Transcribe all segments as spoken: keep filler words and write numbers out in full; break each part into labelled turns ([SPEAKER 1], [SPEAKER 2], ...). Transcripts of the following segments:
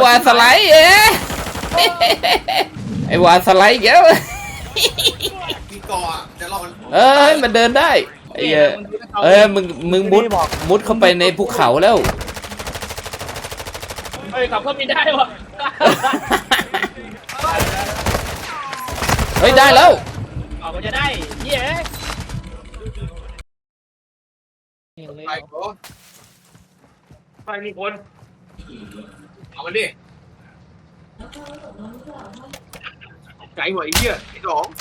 [SPEAKER 1] วาสไลด์เอ๊ะไอ้วาสไลด์เยอะ
[SPEAKER 2] กี่กอจะรอมัน
[SPEAKER 1] เอ้ยมันเดินได้ไอ้เอ้ยมึงมึงมุดมุดเข้าไปในภูเขาแล้ว
[SPEAKER 3] เฮ้ยขับเครื่องบินได้วะ
[SPEAKER 1] เฮ้ยได้แล้ว
[SPEAKER 3] ออกมาจะได้เย้
[SPEAKER 2] ไปโก้ไปมีคนเอามันดิไก่หัวไอ้เหี้ยไอ้หลง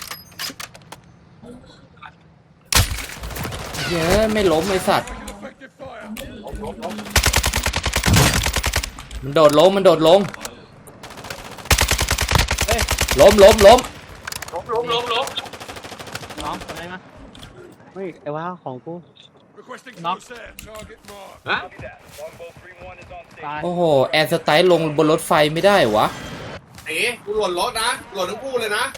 [SPEAKER 1] เย้ไม่ล้มไอ้สัตว์มันโดดลงมันโดดลงล้มล้มล้ม
[SPEAKER 2] ล้มล้มล้ม
[SPEAKER 3] น้องอะไรมา
[SPEAKER 4] เฮ้ยไอ้ว่าของกู
[SPEAKER 3] น็อก
[SPEAKER 2] ฮะ
[SPEAKER 1] โอ้โหแอร์สไตล์ลงบนรถไฟไม่ได้วะ
[SPEAKER 2] เอ๋กูหล่นรถนะหล่นทั้งคู่เลยนะ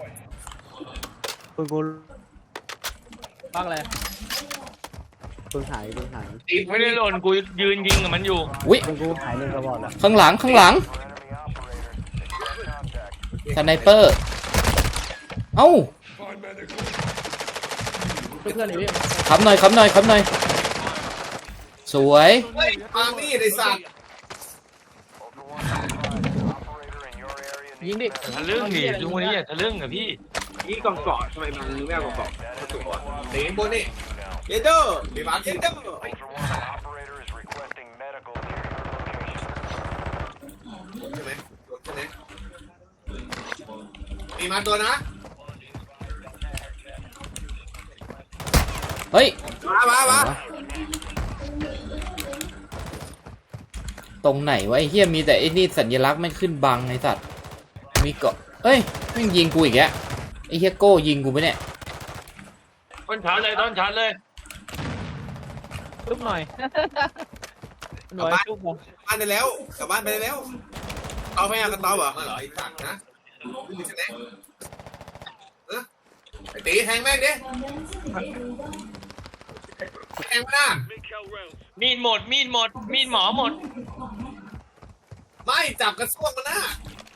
[SPEAKER 4] กูกู
[SPEAKER 3] บ้างอะไร
[SPEAKER 4] กูหายกูหาย
[SPEAKER 3] ไม่ได้หล่นกูยืนยิงกับมันอยู่
[SPEAKER 1] วิ
[SPEAKER 4] กูกูหายเลยกระบอกแล้ว
[SPEAKER 1] ข้างหลังข้างหลังสไนเปอร์เอ้า
[SPEAKER 3] เพื่อนๆนี่พี่
[SPEAKER 1] ขับหน่อยขับหน่อยขับหน่อยสวย
[SPEAKER 2] มานี่ไอ้สัตว์
[SPEAKER 3] ยิงดิ
[SPEAKER 5] ทะลึ่งดิลุงวันนี้อย่าทะลึ่งอะพี่
[SPEAKER 2] นี่กองเกาะทำไมมันไม่เอากองเกาะมาตัวเตะบนนี่เยเดอร์เดี๋ยวมาเยเดอร์ใช่ไหมใช่ไหมมีมาตัวนะ
[SPEAKER 1] เฮ้ย
[SPEAKER 2] มามามา
[SPEAKER 1] ตรงไหนวะไอ้เหี้ยมีแต่ไอ้นี่สัญลักษณ์ไม่ขึ้นบังไอ้สัตว์มีเกาะเอ้ยไม่ยิงกูอีกแล้วไอ้เหี้ยโก้ยิงกูไปเนี่ย
[SPEAKER 5] ต้นชาร์จเลยต้นชาร์จเลย
[SPEAKER 3] ทุบหน่อยหน่อยทุบหน่อย
[SPEAKER 2] บ้านไปแล้วกลับบ้านไปแล้วเอาไม่เอากันต่อเหรอเหรอไอ้สัตว์นะมีแสดงเออไอ้ตีแทงแม่งดิแทงมา
[SPEAKER 5] มีดหมดมีดหมดมีดหมอหมด
[SPEAKER 2] ไม่จับกระซวกมันนะ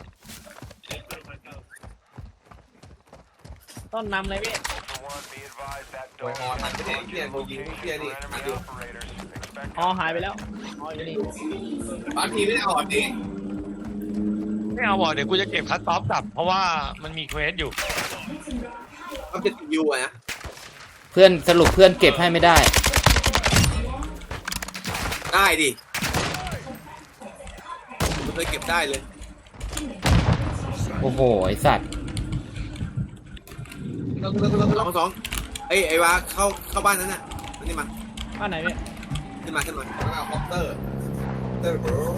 [SPEAKER 3] ต้นนำเลยพี่
[SPEAKER 2] โอ้ยอ๋อทันไปเนี่ยเพี้ยนยิงเพี้ยนนี่ทันดู
[SPEAKER 3] อ๋อหายไปแล้วอ๋ออยู่นี่
[SPEAKER 2] บางทีไม่ได้อ่อนดิ
[SPEAKER 5] ไม่เอาบอกเดี๋ยวกูจะเก็บคัตต็อปกลับเพราะว่ามันมีเควสอยู่
[SPEAKER 2] มันเป็นยูอะนะ
[SPEAKER 1] เพื่อนสรุปเพื่อนเก็บให้ไม่ได้
[SPEAKER 2] ได้ดิเคยเก็บได้เลย
[SPEAKER 1] โอ้โหไอ้สัตว์
[SPEAKER 2] สองสองไอ้ไอ้วะเข้าเข้าบ้านนั้นน่ะนี่มา
[SPEAKER 3] บ้านไหนพี่
[SPEAKER 2] ขึ้นมาขึ้นมาเอาคอปเตอร์เตอร์โบร์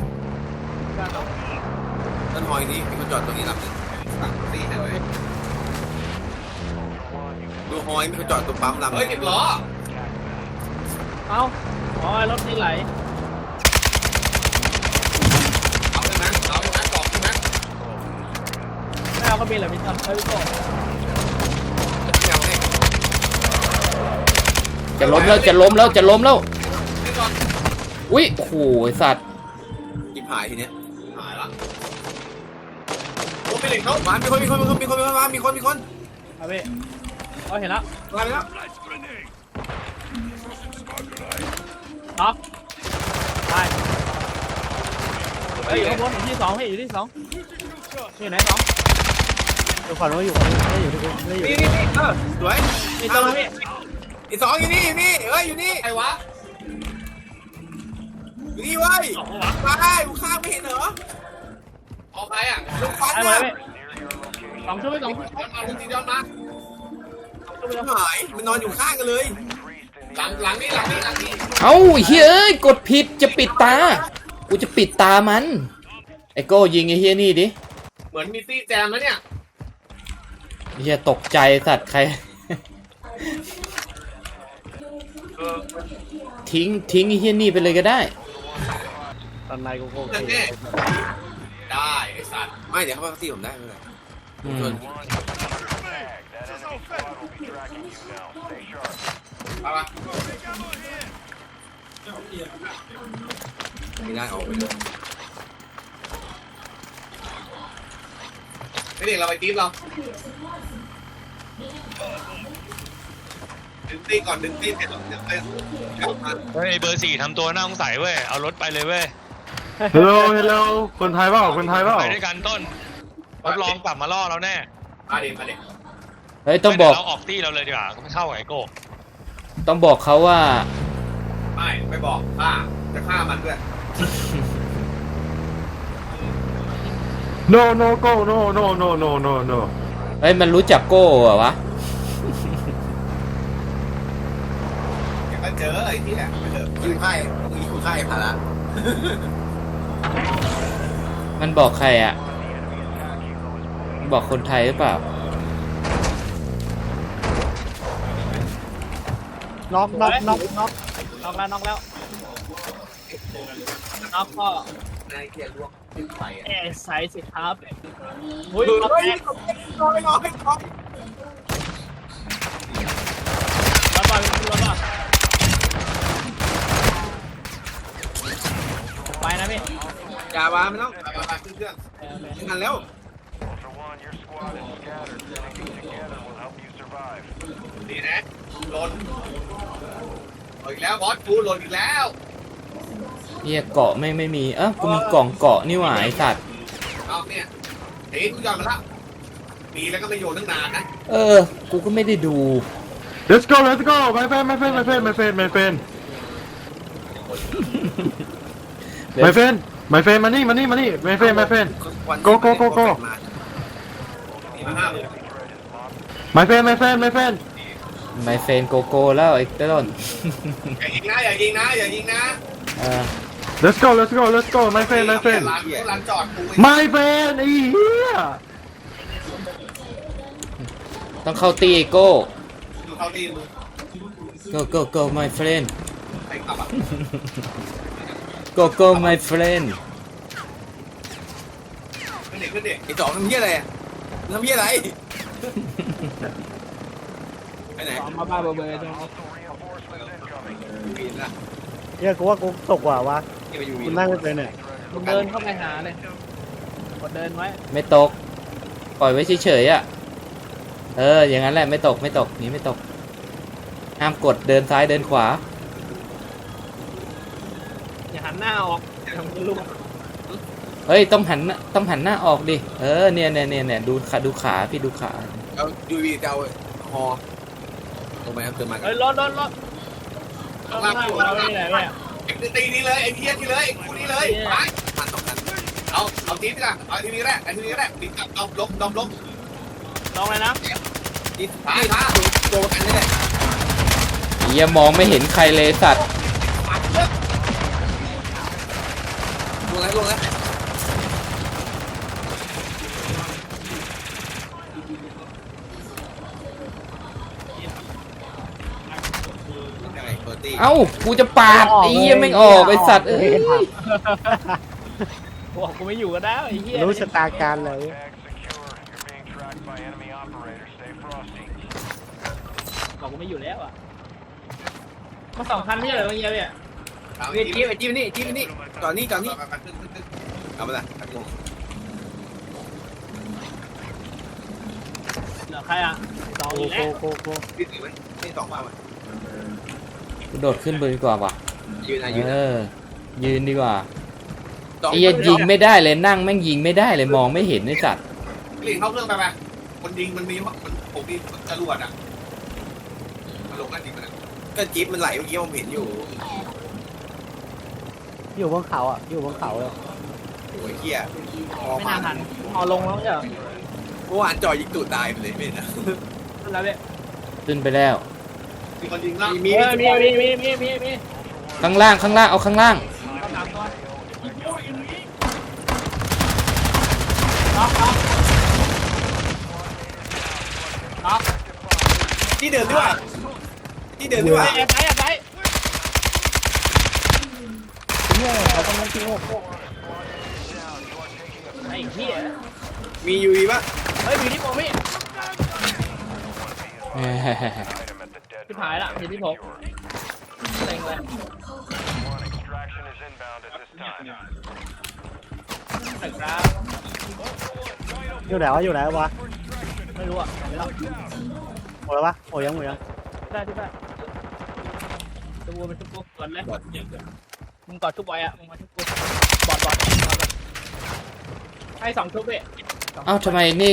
[SPEAKER 2] ต้นหอยนี้มีคนจอดตรงนี้รับเลยสั่งตีให้เลยดูหอยมีคนจอดตรงปั๊มลำเฮ้ยติดล้อ
[SPEAKER 3] เอ้าอ๋อรถนี่ไหล
[SPEAKER 2] เอาเลยนะเอาเลยนะกรอบใช่ไหม
[SPEAKER 3] ไม่เอาก็มีแหละพี่ตันเฮ้ยพี่โก้
[SPEAKER 1] จะล้มแล้วจะล้มแล้วจะล้มแล้วอุ้ยโอ้โหไอ้สัตว์
[SPEAKER 2] จิบหายทีเนี้ยหายละโอ้ไม่เด็กเขามามีคนมีคนมีคนมีคนมีคนมามีคนมีคน
[SPEAKER 3] เอาพี่เอาเห็นแล้ว
[SPEAKER 2] มาแล้ว
[SPEAKER 3] น็อกไปเฮ้ยอยู่ข้างบนอยู่ที่สองพี่อยู่ที่สองอยู่ไหนสอง
[SPEAKER 4] อยู่ฝั่งนู้นอยู่ฝั่งนู้นไม่อยู่ที่กูไม่อยู่
[SPEAKER 2] นี่นี่นี่เออสวย
[SPEAKER 3] นี่ตัวพี่
[SPEAKER 2] อีสองอยู่นี่อยู่นี่เอ้ยอยู่นี่ใครวะอยู่นี่เว้ยมาได้กูข้ามไม่เห็นเหรอออกไปอ่ะลูกฟันนะ
[SPEAKER 3] สองชั่วโมงสองชั่วโมง
[SPEAKER 2] มาลูกตีย้อนมาหายมันนอนอยู่ข้างกันเลยหลังหลังนี่หลังนี่หลังนี่
[SPEAKER 1] เอ้าเฮ้ยกดผิดจะปิดตากูจะปิดตามันไอ้โก้ยิงไอ้เฮียนี่ดิ
[SPEAKER 2] เหมือนมีซี่แจมแล้วเนี่ย
[SPEAKER 1] เฮียตกใจสัตว์ใครทิ้งทิ้งไอ้เฮียนี่ไปเลยก็ได้
[SPEAKER 4] ตอนในกูโอเค
[SPEAKER 2] ได้ไอ้สัตว์ไม่เดี๋ยวเขามาตีผมได้ไม่เป็นไรเอาปะไม่ได้ออกไปเลยเด็กเราไปทีมเราดึงตีก่อนดึงตีเสร็จเดี๋ยวไปกลับมา
[SPEAKER 5] เฮ้ยเบอร์สี่ทำตัวน่าสงสัยเว้ยเอารถไปเลยเว้ย
[SPEAKER 6] ฮัลโหลฮัลโหลคนไทยเปล่าคนไทยเปล่า
[SPEAKER 5] ไปด้วยกันต้นรับรองกลับมาล่อเราแน่
[SPEAKER 2] มาเด็กมาเด็ก
[SPEAKER 1] เฮ้ยต้องบอก
[SPEAKER 5] เราออกตี้เราเลยดีกว่าไม่เข้ากับไอโก้
[SPEAKER 1] ต้องบอกเขาว่า
[SPEAKER 2] ไม่ไม่บอกฆ่าจะฆ่ามันด้วย
[SPEAKER 6] no no go no no no no no no
[SPEAKER 1] เฮ้ยมันรู้จักโก้เหรอวะ
[SPEAKER 2] เดี๋ยวก็เจอไอ้ที่แหละไปเถอะคุยไพ่คุยคุยไพ่ผ่านละ
[SPEAKER 1] มันบอกใครอ่ะ บอกคนไทยหรือเปล่า
[SPEAKER 4] น็อกน็อกน็อกน็อก
[SPEAKER 3] น็อกแล้วน็อกแล้วน็อกก็
[SPEAKER 2] นายเกียร์ลวกดึงไปอ่ะ
[SPEAKER 3] เอไซส์สิครับอุ้ย
[SPEAKER 2] เฮ้ย
[SPEAKER 3] น็อก
[SPEAKER 2] น้อย
[SPEAKER 3] แรก
[SPEAKER 2] น้อยน้อยน้อย
[SPEAKER 3] แล้วบอลแล้วบอลไปนะพี่
[SPEAKER 2] อย่ามาไม่ต้องไปไปขึ้นเครื่องทันแล้วดีนะหล่นหล่นอีกแล้วบอสกูหล่นอีกแล้ว
[SPEAKER 1] เฮียเกาะไม่ไม่มี เอ้ากูมีกล่องเกาะนี่หว่าไอสัตว์
[SPEAKER 2] เอาเนี่ยเฮ้ยกูยอมมาละปีแล้วก็ไม่โยนตั้งนานนะ
[SPEAKER 1] เออ กูก็ไม่ได้ดู
[SPEAKER 6] let's go let's go my friend my friend my friend my friend my friend my friend my friend มานี่มานี่มานี่ my friend my friend Go, go, go, go
[SPEAKER 2] มีมาห้าเลย
[SPEAKER 6] my friend my friend my friend
[SPEAKER 1] ไมเฟนโกโก้แล้วไอ้ต้น
[SPEAKER 2] อย่ายิงนะอย่ายิงนะอย่ายิงนะ
[SPEAKER 1] เออ
[SPEAKER 6] let's go let's go let's go my friend my friend
[SPEAKER 2] ร้านร้านจอดกู
[SPEAKER 6] my friend ไอ้เหี้ย
[SPEAKER 1] ต้องเข้าตีไอโก้
[SPEAKER 2] ดูเขาดีมึง
[SPEAKER 1] go go go my friend
[SPEAKER 2] ใครขับอ่ะ
[SPEAKER 1] go go my friend
[SPEAKER 2] ขึ้นเด็กขึ้นเด็กไอ้จอมทำเหี้ยอะไรอ่ะทำเหี้ยอะไรไปไหน
[SPEAKER 3] สองมาบ้าเบอร์เบอร์ตรงนี้
[SPEAKER 2] ปีนละ
[SPEAKER 4] เฮียกูว่ากูตกว่ะวะ
[SPEAKER 2] นี่ไปอยู่
[SPEAKER 4] กูนั่งไม่เป็นเนี่ย
[SPEAKER 3] มึงเดินเข้าไปหาเลยกดเดินไว้
[SPEAKER 1] ไม่ตก ปล่อยไว้เฉยๆอ่ะ เออ อย่างนั้นแหละไม่ตกไม่ตกหนี่ไม่ตก ห้ามกดเดินซ้ายเดินขวา
[SPEAKER 3] อย่าหันหน้าออกทำลูก
[SPEAKER 1] เฮ้ยต้องหันหน้าต้องหันหน้าออกดิ เออเนี่ยเนี่ยเนี่ยเนี่ยดูขาดูขาพี่ดูขา
[SPEAKER 2] เอาดูวีจะเอาฮอลงไปครับเติมมากั
[SPEAKER 3] เฮ้
[SPEAKER 2] น
[SPEAKER 3] ยรถรถรถรถหน้าเราไม่ไหนเนี่ย
[SPEAKER 2] ไอ้ตีนี่เลยไอ้เพี้ยนนี่เลยไอ้กูนี่เลยไปมันสองคันเอาเอาทีนี้ละเอาทีนี้แรกไอ้ทีนี้แรกดิกับเอาลบลบลบ
[SPEAKER 3] ลองเลยนะ
[SPEAKER 2] ดิพาพาตัวกันนี่แหละ
[SPEAKER 1] เฮียมองไม่เห็นใครเลยสัตว์
[SPEAKER 2] ปัดเลิกลงแล้วลงแล้วยังไงเบอร์ตี้
[SPEAKER 1] เอ้ากูจะปาดไอ้เฮียไม่ออกไอ้สัตว์เอ้ย
[SPEAKER 3] บอกกูไม่อยู่ก็ได้ไอ้เหี้ย
[SPEAKER 4] รู้ชะตาการเลย
[SPEAKER 3] บอกกูไม่อยู่แล้วอ่ะมาสองคันที่เหลือเมื่อกี้เนี่ย
[SPEAKER 2] ไอ้จี๊บไอ้จี๊บนี่จี๊บนี่จอดนี่จอดนี่เอาไปละ
[SPEAKER 3] เหลือใครอ่ะสอง
[SPEAKER 4] โก
[SPEAKER 3] อีก
[SPEAKER 4] โก
[SPEAKER 3] แล้ว
[SPEAKER 4] โกโก
[SPEAKER 2] พี่ถือไหมนี่สองมา
[SPEAKER 1] กูโดดขึ้นไปดีกว่าว่ะ
[SPEAKER 2] ยืนนะยืน
[SPEAKER 1] เอ
[SPEAKER 2] นะ
[SPEAKER 1] อ ยืนดีกว่าไอ้เหี้ยยิงไม่ได้เลยนั่งแม่งยิงไม่ได้เลยมองไม่เห็นไอ้สัตว์
[SPEAKER 2] หลีกเข้าเครื่องไปไปคนยิงมันมีมันผมมีจรวดอ่ะมันลงกันจริงมันก็จี๊บมันไหลเมื่อกี้ผมเห็นอยู่
[SPEAKER 4] อยู่บนเขาอ่ะอยู่บนเขาเลย
[SPEAKER 2] โอ้ยเฮีย
[SPEAKER 3] ไม่น่าทันเอาลงแล้วเหรอ
[SPEAKER 2] เมื่อวานจอยยิงตูดตายไปเลยไม่นะ
[SPEAKER 3] นั่นแล้วเนี่ย
[SPEAKER 1] ขึ้นไปแล้ว
[SPEAKER 2] มีคนยิงล่าง
[SPEAKER 3] มีมีมีมีมีมีมี
[SPEAKER 1] ข้างล่างข้างล่างเอาข้างล่าง
[SPEAKER 3] ต้องตามตัวน็อกน็อกน็อก
[SPEAKER 2] ที่เดินด้วยที่เดินด้วย
[SPEAKER 3] แอบไปแอบไป
[SPEAKER 4] เนี่ยเขาต้องนั่งที่โง่
[SPEAKER 3] ไอ้เหี้ย
[SPEAKER 2] มียูวีป่ะ
[SPEAKER 3] เฮ้ยมีที่ผมพี่
[SPEAKER 1] เฮ้ย
[SPEAKER 3] ที่หายละมีที่ผมเต็งเลยแต่กราฟ
[SPEAKER 4] อยู่ไหนวะอยู่ไหนวะ
[SPEAKER 3] ไม่รู้อ่ะไม่รู้
[SPEAKER 4] หมดแล้วปะโอ้ยังหมดยัง
[SPEAKER 3] ได้ที่ได้ตัววัวมันชุบกูก่อนเลย
[SPEAKER 2] บอดอย่างเดียว
[SPEAKER 3] มึงกอดชุบไว้อะมึงมาชุบกูบอดบอดบอดให้สองชุบพี่
[SPEAKER 1] เอ้าทำไมนี่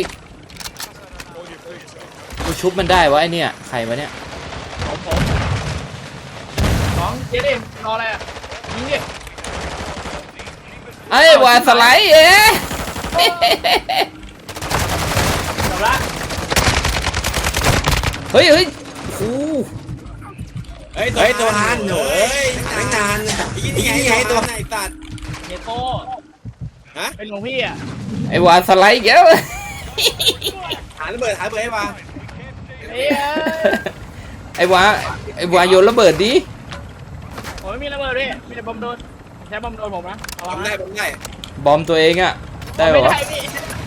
[SPEAKER 1] กูชุบมันได้วะไอเนี่ยใครวะเนี่ย
[SPEAKER 3] ผมผมสองเจ๊ดิรออะไรอ่ะยิงดิ
[SPEAKER 1] ไอ้วาสไลด์เอ๊ะ
[SPEAKER 3] จบละ
[SPEAKER 1] เฮ้ยเฮ้ยโอ้
[SPEAKER 2] เฮ้ยเฮ้ยตัวฮันหนูเฮ้ยตั้งนานยี่นี่ไงตัวไหนตัด
[SPEAKER 3] เนโก้เป็นหลวงพี่อ่ะ
[SPEAKER 1] ไอ้วาสไลด์อีกแล้ว
[SPEAKER 2] หาระเบิดหาระเบิดให้มา
[SPEAKER 3] เอ้ย
[SPEAKER 1] ไอ้วาไอ้วาโยนระเบิดดิ
[SPEAKER 3] ผมไม่มีระเบิดพี่มีแต่บอมโดนใช้บอมโดนผมนะเอา
[SPEAKER 2] ทำได้ทำได้
[SPEAKER 1] บอมตัวเองอะได้
[SPEAKER 3] ไม่
[SPEAKER 1] ปะวะ
[SPEAKER 3] ได้พี่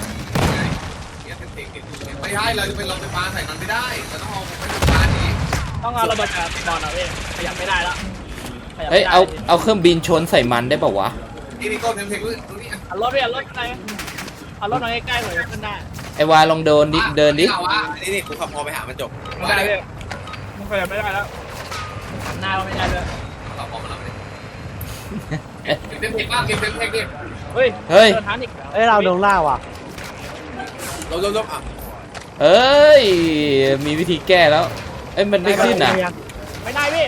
[SPEAKER 2] ไม่ใช่เราจะเป็นเราไฟฟ้าใส่มันไม่ได้เราต้องเอาไฟฟ้านี้
[SPEAKER 3] ต้องเอาระเบิดจากบอลอ่ะพี่ขยับไม่ได้แล้วขยับ
[SPEAKER 1] เฮ้ย
[SPEAKER 3] ไม่ได้
[SPEAKER 1] เอาเอาเครื่องบินชนใส่มันได้ปะวะ
[SPEAKER 2] นี่นี่ก็เทมเทคตรงนี้
[SPEAKER 3] เอารถพี่เอารถอะไรเอารถมาใกล้ๆหน่อยขึ้นได้
[SPEAKER 1] ไอ้วาลองเดินดิเดินดิ
[SPEAKER 2] นี่นี่กูขับพอไปหามันจบ
[SPEAKER 3] ไม่ได้พี่มันขยับไม่ได้แล้วหันหน้าก็ไม่ได้เลย
[SPEAKER 2] ขับพอมาแล้วเก็บเทมเทคบ้างเก็บเทมเทคดิ
[SPEAKER 3] เฮ้ย
[SPEAKER 1] เฮ้ย
[SPEAKER 3] เดินทันอีก
[SPEAKER 4] เอ้ยเราโดนล่าว่ะ
[SPEAKER 2] ลบลบลบอ่ะ
[SPEAKER 1] เอ้ยมีวิธีแก้แล้วเอ้ยมันไม่ขึ้นอ่ะ
[SPEAKER 3] ไม่ได้พี่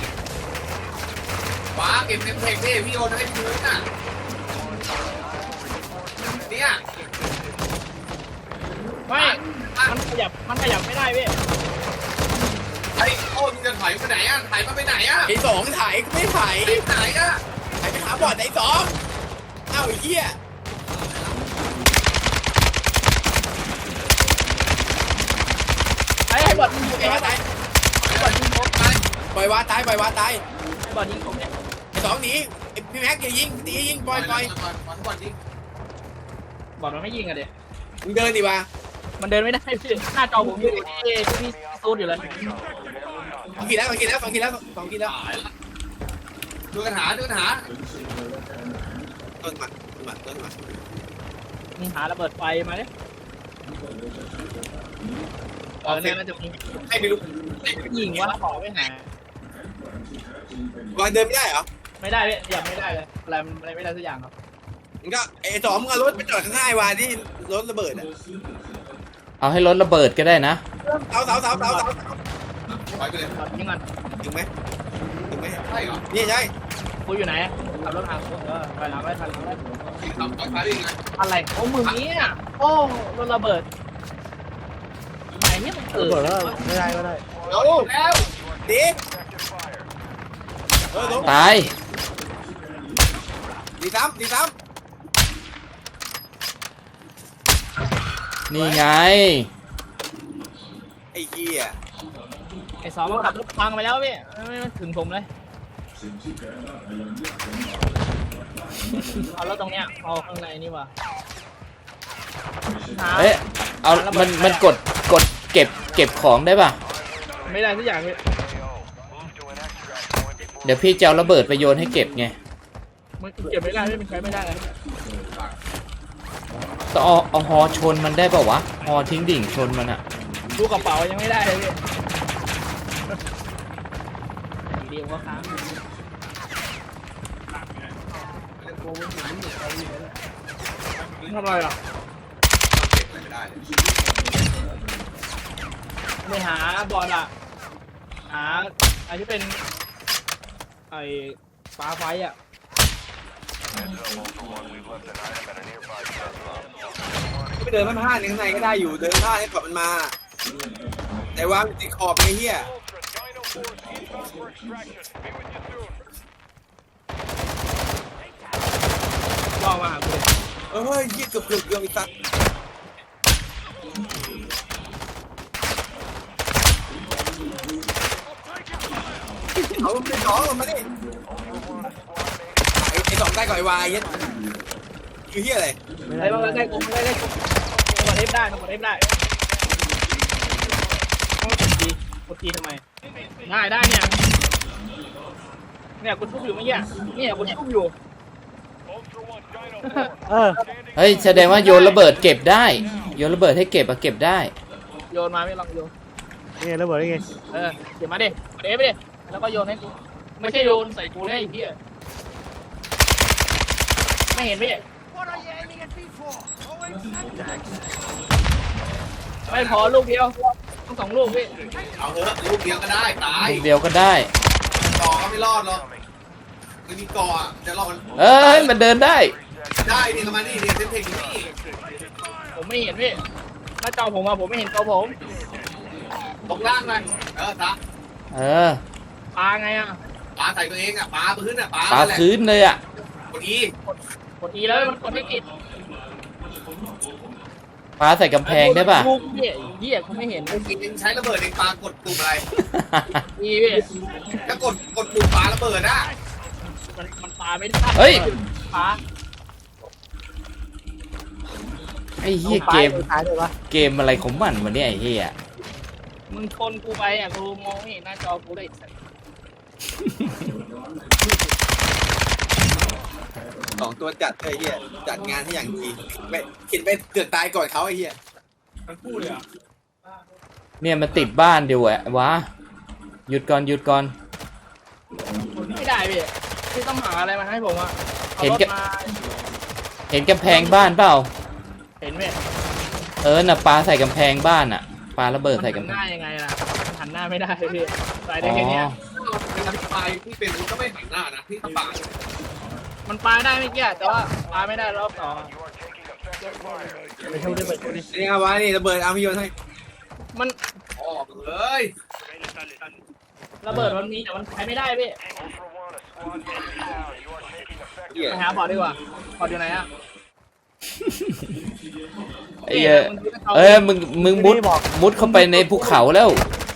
[SPEAKER 2] ว้าเก็บเทมเทคดิพี่โอนให้พื้นอ่ะเนี่ย
[SPEAKER 3] ไม่มันขยับมันขยับไม่ได้พี่
[SPEAKER 2] ไอ้โอ้มึงจะถอยไปไหนอ่ะถ่ายมาไปไหนอ่ะไอ้สองถ่ายไม่ถ่ายไปไหนอ่ะถ่ายไปหาบอดไอ้สองเอ้าไอ้เหี้ย
[SPEAKER 3] ไอ้ไอ้บอดยิงผม
[SPEAKER 2] ไอ้
[SPEAKER 3] ไอ้
[SPEAKER 2] ว่าตาย
[SPEAKER 3] บอดยิงผม
[SPEAKER 2] ตายปล่อยวาตายปล่อยวาตาย
[SPEAKER 3] ไอ้บอดยิงผมเนี่ย
[SPEAKER 2] ไอ้สองหนีไอ้พี่แม็กอย่ายิงตียิงปล่อยปล่อยบอลยิง
[SPEAKER 3] บอดมันไม่ยิงอะเด็ก
[SPEAKER 2] มึงเดินดิวะ
[SPEAKER 3] มันเดินไม่ได้พี่หน้าจอผมอยู่ที่ที่ซูดอยู่เลย
[SPEAKER 2] สองขีดแล้วสองขีดแล้วสองขีดแล้วสองขีดแล้วดูกันหาดูกันหาต้นมาต้นมาต้นมา
[SPEAKER 3] มึงหาระเบิดไฟมาเนี่ยเออเนี่ยน่าจะมี
[SPEAKER 2] ให้ไม่รู้
[SPEAKER 3] ยิงว่าขอไม่หา
[SPEAKER 2] บอลเดินไม่ได้เหรอ
[SPEAKER 3] ไม่ได้เลยยังไม่ได้เลยอะไรมันอะไรไม่ได้สักอย่างครับ
[SPEAKER 2] มึงก็ไอ้สองมึงเอารถไปจอดข้างๆวาที่รถระเบิดอ่ะ
[SPEAKER 1] เอาให้รถระเบิดก็ได้นะ
[SPEAKER 2] เสาเสาเสาเสาเสาปล่อยไปเลย
[SPEAKER 3] บอดยิงก่อน
[SPEAKER 2] ถึงไหมถึงไหมใช่เหรอนี่ใช่
[SPEAKER 3] กูอยู่ไหนขับรถหากูเออไปหลังไปทันหลังไป
[SPEAKER 2] ทำต่อซ้ายได้ยังไง
[SPEAKER 3] อะไรโอ้มึงเนี่ยโอ้รถระเบิดไหนเนี่ยมันเกิ
[SPEAKER 4] ระ
[SPEAKER 3] ด
[SPEAKER 4] เบิดแล้วไม่ได้ไม่ได้
[SPEAKER 2] แล้วแล้วดีเออลง
[SPEAKER 1] ตาย
[SPEAKER 2] ดีซ้ำดีซ้
[SPEAKER 1] นี่ไง
[SPEAKER 2] ำไอ้เหี้ย
[SPEAKER 3] ไอ้สองมันขับรถพังไปแล้วพี่ไม่ถึงผมเลยเอาแล้วตรงเนี้ยเอาข้างในนี่ว่ะ
[SPEAKER 1] เอ้ยเอามันมันกดกดเก็บเก็บของได้ป่ะ
[SPEAKER 3] ไม่ได้ทุกอย่างเลย
[SPEAKER 1] เดี๋ยวพี่จะเอาระเบิดไปโยนให้เก็บไง
[SPEAKER 3] มันเก็บไม่ได้ไม่มันใช้ไม่ได้เลย
[SPEAKER 1] ต้องเอาเอาฮอชนมันได้ป่าวะฮอทิ้งดิ่งชนมันอะ
[SPEAKER 3] ดูกระเป๋ายังไม่ได้เลยพี่เดียวก็ค้างทำอะไรอ่ะไม่หาบอลอ่ะหาไอ้ที่เป็นไอ้ฟ้าไฟอ่ะ
[SPEAKER 2] ไม่เดินมันพลาดในข้างในก็ได้อยู่เดินพลาดให้กดมันมา แต่ว่ามันติดขอบไอ้เหี้ย
[SPEAKER 3] ล่อมาหากูเลย
[SPEAKER 2] เอ้ยเหี้ยเกือบเกือบเกือบอีกสักเอามันเป็นสองมันมาดิไอ้ไอ้สองได้ก่อนไอ้วายเหี้ยคือเหี้ยอะไร
[SPEAKER 4] ไม่
[SPEAKER 3] ได้
[SPEAKER 4] ได้
[SPEAKER 3] บ้างได้กูได้ได้กูกดเอฟได้กดเอฟได้กดทีกดทีทำไมได้ได้เนี่ยเนี่ยกูชุบอยู่เมื่อกี้เนี่ยกูชุบอยู่
[SPEAKER 4] เออ
[SPEAKER 1] เฮ้ยแสดงว่าโยนระเบิดเก็บได้โยนระเบิดให้เก็บอะเก็บได้
[SPEAKER 3] โยนมาไม่ลองโยน
[SPEAKER 4] นี่ไงระเบิดนี่ไง
[SPEAKER 3] เออเดี๋ยวมาดิเดี๋ยวไปดิแล้วก็โยนให้กูไม่ใช่โยนใส่กูได้ไอ้เหี้ยไม่เห็นพี่ไม่พอลูกเดียวต้องสองลูกพี่
[SPEAKER 2] เอาเถอะลูกเดียวก็ได้ตาย
[SPEAKER 1] ลูกเดียวก็ได้
[SPEAKER 2] ก่อก็ไม่รอดหรอกไม่มีก่ออ่ะจะรอดมัน
[SPEAKER 1] เอ้ยมันเดินได้
[SPEAKER 2] ได้นี่ทำไมนี่เนี่ยเส้นเพลงอยู่นี่
[SPEAKER 3] ผมไม่เห็นพี่หน้าจอผมอะผมไม่เห็นตัวผม
[SPEAKER 2] ตกล่างเลยเออตา
[SPEAKER 1] เออ
[SPEAKER 3] ปลาไงอะ
[SPEAKER 2] ปาใส่ตัวเองอ่ะปาพื้นอ่ะปา
[SPEAKER 1] ปา
[SPEAKER 2] แหละ
[SPEAKER 1] พื้นเลยอะ
[SPEAKER 2] กดอี
[SPEAKER 3] กดอีแล้วมันกดไม่ติด
[SPEAKER 1] ปาใส่กำแพงได้ป่ะ
[SPEAKER 3] ลูกพี่เหี้ยกูไม่เห็น
[SPEAKER 2] ไอ้กินยังใช้ระเบิดเองปากดปุ่มอะไร
[SPEAKER 3] อีพี่
[SPEAKER 2] ถ้ากดกดปุ่มปาระเบิดอ่ะ
[SPEAKER 3] มันมันปลาไม่ได้
[SPEAKER 1] เฮ้ย
[SPEAKER 3] ปลา
[SPEAKER 1] ไอ้เหี้ยเกม
[SPEAKER 4] ท้ายเลยวะ
[SPEAKER 1] เกมอะไรของมันวะเนี่ยไอ้เหี้ย
[SPEAKER 3] มึงชนกูไปอ่ะกูมองไม่เห็นหน้าจอกูเลย
[SPEAKER 2] สองตัวจัดไอ้เหี้ยจัดงานให้อย่างดีไม่คิดไปเกือบตายก่อนเขาไอ้เหี้ยมันพูดเลยอ่ะ
[SPEAKER 1] เนี่ยมันติดบ้านเดียวอะวะหยุดก่อนหยุดก่อน
[SPEAKER 3] ไม่ได้พี่พี่ต้องหาอะไรมาให้ผมอ่ะ
[SPEAKER 1] เห็น
[SPEAKER 3] แก
[SPEAKER 1] แก เห็นกำแพงบ้านเปล่า
[SPEAKER 3] เห็นไหม
[SPEAKER 1] เออน่ะปาใส่กำแพงบ้านอะปาระเบิด
[SPEAKER 3] มัน
[SPEAKER 1] ใส่
[SPEAKER 3] หั
[SPEAKER 1] กำ
[SPEAKER 3] น
[SPEAKER 1] แพ
[SPEAKER 3] ห
[SPEAKER 1] ง
[SPEAKER 3] น้ายังไงล่ะมันหันหน้าไม่ได้พี่ใส่
[SPEAKER 1] อ๋
[SPEAKER 3] ได้แค่เนี้ย
[SPEAKER 1] อ
[SPEAKER 2] เวลาที่ปลายที่เป็นมันก็ไม่หันหน้านะที่ถ้าปาด
[SPEAKER 3] มันปลาได้ไม่เกี่ยแต่ว่าปลาไม่ได้รอบสอง
[SPEAKER 4] ไปช่วยด้วยไปช่วยด้วย
[SPEAKER 2] นี่เอาไว้นี่ระเบิดเอาพี่โยนให้
[SPEAKER 3] มัน
[SPEAKER 2] ออกเลย
[SPEAKER 3] ระเบิดมันมีแต่มันใช้ไม่ได้พี่
[SPEAKER 2] เหี้ย
[SPEAKER 3] ไปหาบอร์ดดีกว่าบอร์ดอยู่ไหนอ่ะ
[SPEAKER 1] ไอ้เหี้ยเอ้ยมึงมึงมุดมุดเข้าไปในภูเขาแล้ว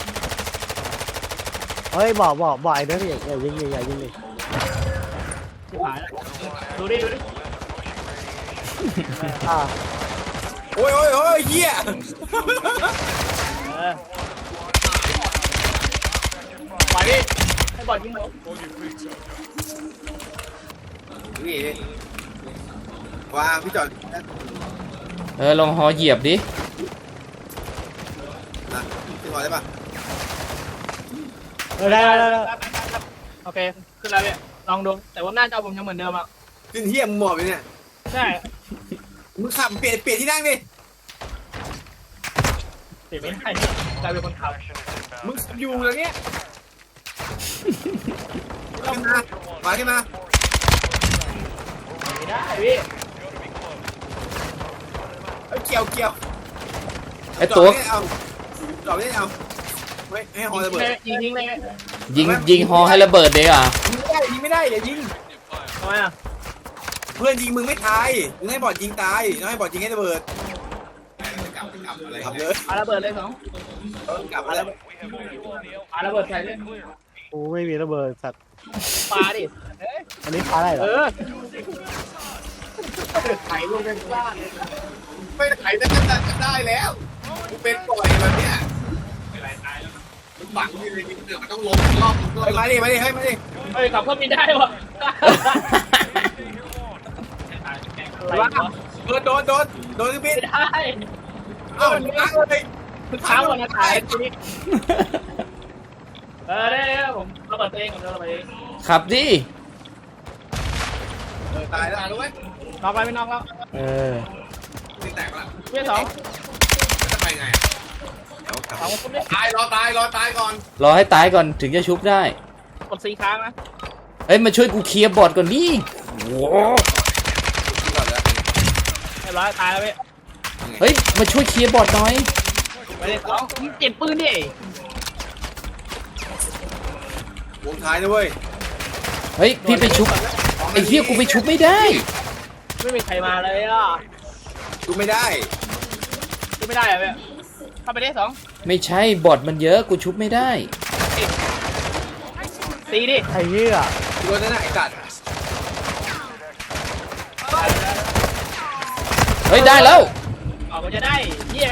[SPEAKER 4] เฮ้ยบอกบอกบอกไอ้เด้อพี่อย่ายิงดิอย่ายิงดิ
[SPEAKER 3] หายแล้วดูดิดูดิ
[SPEAKER 4] อ่า
[SPEAKER 2] โอ้ยโอ้ยโอ้ยเหี้ย
[SPEAKER 3] เออไปดิให้บอร์ดยิงหมด
[SPEAKER 2] นี่วางพี่จอด
[SPEAKER 1] เออลองหอเหยียบดิ
[SPEAKER 2] นะขึ้นมาได้ปะ
[SPEAKER 4] เออได้ได้ได้ได้
[SPEAKER 3] โอเคขึ้นแล้วพี่ลองดูแต่ว่าหน้าจอผมยังเหมือนเดิมอ่ะ
[SPEAKER 2] ขึ้นเหี้ยมึงหมอบเลยเนี่ย
[SPEAKER 3] ใช่
[SPEAKER 2] มึงขับเปลี่ยนเปลี่ยนที่นั่งดิ
[SPEAKER 3] เปลี่ยนไม่ได้กลายเป็นคนขับ
[SPEAKER 2] มึงอยู่อย่างเงี้ยขึ้นมามาขึ้นมา
[SPEAKER 3] ไม่ได้พี่
[SPEAKER 2] เอ้ยเกี่ยวเกี่ยว
[SPEAKER 1] ไอ้ตัว
[SPEAKER 2] จอดไม่เอาจอดไม่เอาไม่ให้ฮอระเบิด
[SPEAKER 3] ยิงทิ้งเลย
[SPEAKER 1] ยิงยิงฮอให้ระเบิดเลยอ่ะ
[SPEAKER 2] ยิงไม่ได้ยิงไม่ได้อย่ายิง
[SPEAKER 3] ทำไมอ่ะ
[SPEAKER 2] เพื่อนยิงมึงไม่ตายมึงให้บอดยิงตายน้องให้บอดยิงให้ระเบิดกลับกลับอะไรกลับเลย
[SPEAKER 3] ปาระเบิดเลยสอง
[SPEAKER 2] กลับมาแล้ว
[SPEAKER 3] ปาระเบิดใส่เลย
[SPEAKER 4] กูไม่มีระเบิดสัตว์
[SPEAKER 3] ปาดิเอ้ย
[SPEAKER 4] อันนี้พาได้เหร
[SPEAKER 3] เอ
[SPEAKER 4] อ
[SPEAKER 3] อไถลงไปข้างล่าง
[SPEAKER 2] ไม่ไถแต่ก็ได้แล้วกูเป็นปล่อยแบบเนี้ยมันฝังอยู่ในดินเดือดมันต้องล้มรอบมาดิมาดิให้มาดิ
[SPEAKER 3] เฮ้ยขับเครื่องบินได้วะอะไรวะ
[SPEAKER 2] โดนโดนโดนโดนเครื่องบิน
[SPEAKER 3] ไม่ได้
[SPEAKER 2] เอ้าล้างเลย
[SPEAKER 3] เช้าวันอาทิตย์ทีนี้เออได้ได้ผมระเบิดตัวเองผมระเบิดเอง
[SPEAKER 1] ขับดิ
[SPEAKER 2] เออตายแล้วรู้ไหม
[SPEAKER 3] นอกไปไม่นอกแล้ว
[SPEAKER 1] เออ
[SPEAKER 2] นี่แตกละ
[SPEAKER 3] เพื่อนสอง
[SPEAKER 2] จะไปไง
[SPEAKER 3] สองคนได้
[SPEAKER 2] ตายรอตายรอตายก่อน
[SPEAKER 1] รอให้ตายก่อนถึงจะชุบได้
[SPEAKER 3] กดสี่ครั้งนะ
[SPEAKER 1] เฮ้ยมาช่วยกูเคลียร์บอร์ดก่อนดิโว้
[SPEAKER 2] ก่อนเลย
[SPEAKER 3] เรียบร้อยตายแล้วพี่
[SPEAKER 1] เฮ้ยมาช่วยเคลียร์บอร์ดหน่อย
[SPEAKER 3] ไปเลยสองเก็บปืนดิ
[SPEAKER 2] วงท้ายนะเว้ย
[SPEAKER 1] เฮ้ยพี่ไปชุบไอ้เหี้ยกูไปชุบไม่ได้
[SPEAKER 3] ไม่มีใครมาเลยอ่ะ
[SPEAKER 2] ดูไม่ได้
[SPEAKER 3] ดูไม่ได้อะพี่เข้าไปได้สอง
[SPEAKER 1] ไม่ใช่บอร์ดมันเยอะกูชุบไม่ได้
[SPEAKER 3] ตีดิ
[SPEAKER 4] ไอ้เหี้ย
[SPEAKER 2] ดูนั่นน่ะไอ้สัตว์
[SPEAKER 1] เฮ้ยได้แล้ว
[SPEAKER 3] ออกมาจะได้เหี้ย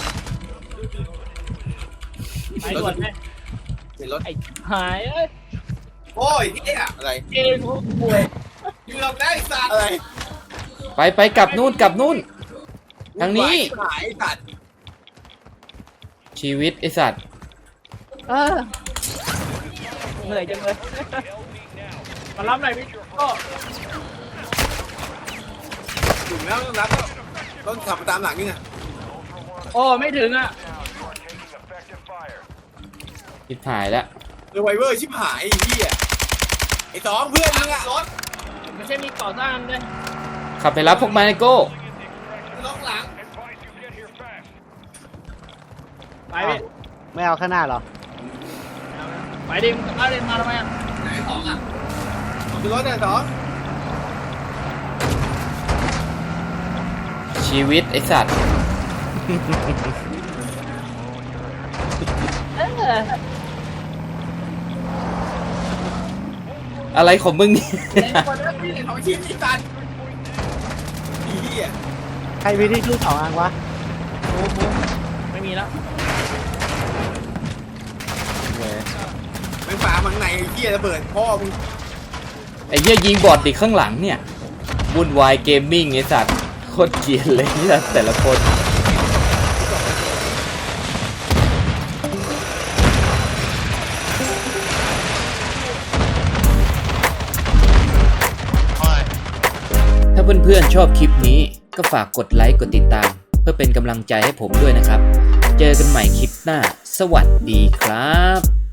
[SPEAKER 3] ไปด่วนไหม
[SPEAKER 2] เห็นรถ
[SPEAKER 3] ไอ้หายเอ้ย
[SPEAKER 2] โอ้ยเฮียอะไร
[SPEAKER 3] เกมกูป่วย
[SPEAKER 2] ยืนได้สัตว์อะไร
[SPEAKER 1] ไปไปกลับนู่นกลับนู่นทางนี้
[SPEAKER 2] หายสัตว์
[SPEAKER 1] ชีวิตไอสัตว์
[SPEAKER 3] เออเหนื่อยจังเลย มารับหน่อยพี่ก็
[SPEAKER 2] ถึงแล้วต้องรับแล้วต้องขับไปตามหลังนี่ไง
[SPEAKER 3] โอ้ไม่ถึงอ่ะ
[SPEAKER 1] ชิบหายแล้ว
[SPEAKER 2] เรือไวเวอร์ชิบหายไอ้เหี้ยไอ้สองเพื่อนมึงอะรถ
[SPEAKER 3] ไม่ใช่มีก่อสร้างด้วย
[SPEAKER 1] ขับไปรับพวกมันไอโก้
[SPEAKER 2] ล็อกหลัง
[SPEAKER 3] ไปพี่
[SPEAKER 4] ไม่เอาข้างหน้าเหรอ
[SPEAKER 3] ไปดิมึงเอาเดินมาทำไมอ่ะ
[SPEAKER 2] ไหนสองอะเอาขึ้นรถเนี่ยสอง
[SPEAKER 1] ชีวิตไอสัตว์
[SPEAKER 3] เออ
[SPEAKER 1] อะไรของมึงเนี่ย
[SPEAKER 2] ไอ้คนนั้นพี่ของชีพที่ตันไอ้เหี้ย
[SPEAKER 4] ใครมีที่ชูสองอันวะ
[SPEAKER 3] บูมบูมไม่มีแล้ว
[SPEAKER 2] แม่งฝามังในไอ้เหี้ยระเบิดพ่อมึง
[SPEAKER 1] ไอ้เหี้ยยิงบอดดิข้างหลังเนี่ยวุ่นวายเกมมิ่งไอสัตว์โคตรเกลียดเลยเนี่ยแต่ละคน
[SPEAKER 5] โอ้ย
[SPEAKER 1] ถ้าเพื่อนๆชอบคลิปนี้ก็ฝากกดไลค์กดติดตาม เพื่อเป็นกำลังใจให้ผมด้วยนะครับ เจอกันใหม่คลิปหน้า สวัสดีครับ